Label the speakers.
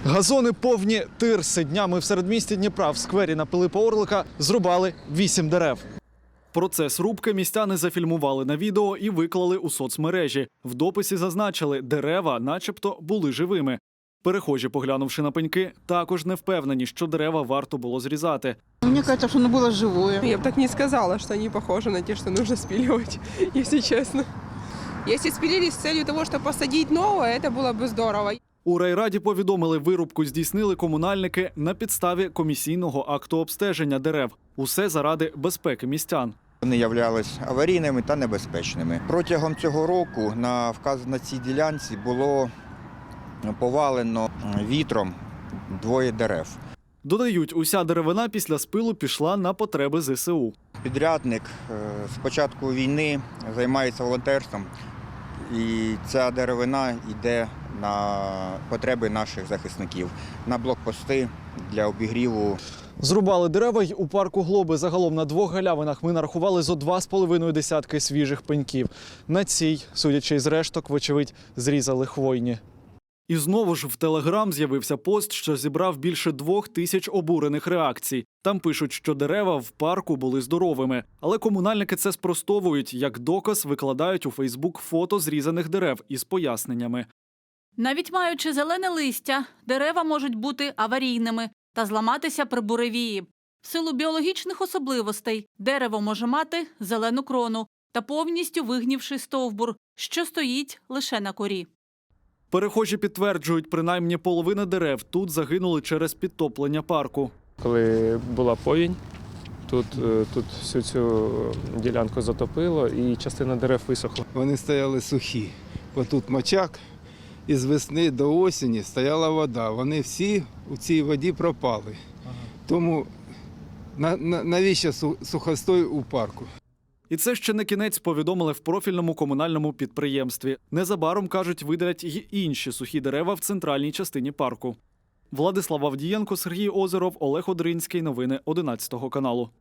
Speaker 1: Газони повні тирси. Днями в середмісті Дніпра в сквері на Пилипа Орлика зрубали 8 дерев. Процес рубки містяни зафільмували на відео і виклали у соцмережі. В дописі зазначили, дерева начебто були живими. Перехожі, поглянувши на пеньки, також не впевнені, що дерева варто було зрізати.
Speaker 2: Мне кажется, что оно было живое.
Speaker 3: Я бы так не сказала, что они похожи на те, что нужно спиливать, если честно. Если спилили с целью того, чтобы посадить новое, это было бы здорово.
Speaker 1: У райраді повідомили, вирубку здійснили комунальники на підставі комісійного акту обстеження дерев. Усе заради безпеки містян.
Speaker 4: Вони являлись аварійними та небезпечними. Протягом цього року на цій ділянці було повалено вітром 2 дерев.
Speaker 1: Додають, уся деревина після спилу пішла на потреби ЗСУ.
Speaker 4: Підрядник з початку війни займається волонтерством, і ця деревина йде на потреби наших захисників, на блокпости для обігріву.
Speaker 1: Зрубали дерева й у парку Глоби. Загалом на 2 галявинах ми нарахували зо 2,5 десятки свіжих пеньків. На цій, судячи із решток, вочевидь, зрізали хвойні. І знову ж в Телеграм з'явився пост, що зібрав більше 2000 обурених реакцій. Там пишуть, що дерева в парку були здоровими. Але комунальники це спростовують. Як доказ викладають у Фейсбук фото зрізаних дерев із поясненнями.
Speaker 5: Навіть маючи зелене листя, дерева можуть бути аварійними та зламатися при буревії. В силу біологічних особливостей дерево може мати зелену крону та повністю вигнівший стовбур, що стоїть лише на корі.
Speaker 1: Перехожі підтверджують, принаймні половина дерев тут загинули через підтоплення парку.
Speaker 6: Коли була повінь, тут всю цю ділянку затопило і частина дерев висохла.
Speaker 7: Вони стояли сухі, бо тут мочак, і з весни до осені стояла вода. Вони всі у цій воді пропали. Тому навіщо сухостой у парку?
Speaker 1: І це ще не кінець, повідомили в профільному комунальному підприємстві. Незабаром, кажуть, видалять й інші сухі дерева в центральній частині парку. Владислав Авдієнко, Сергій Озеров, Олег Одринський. Новини 11 каналу.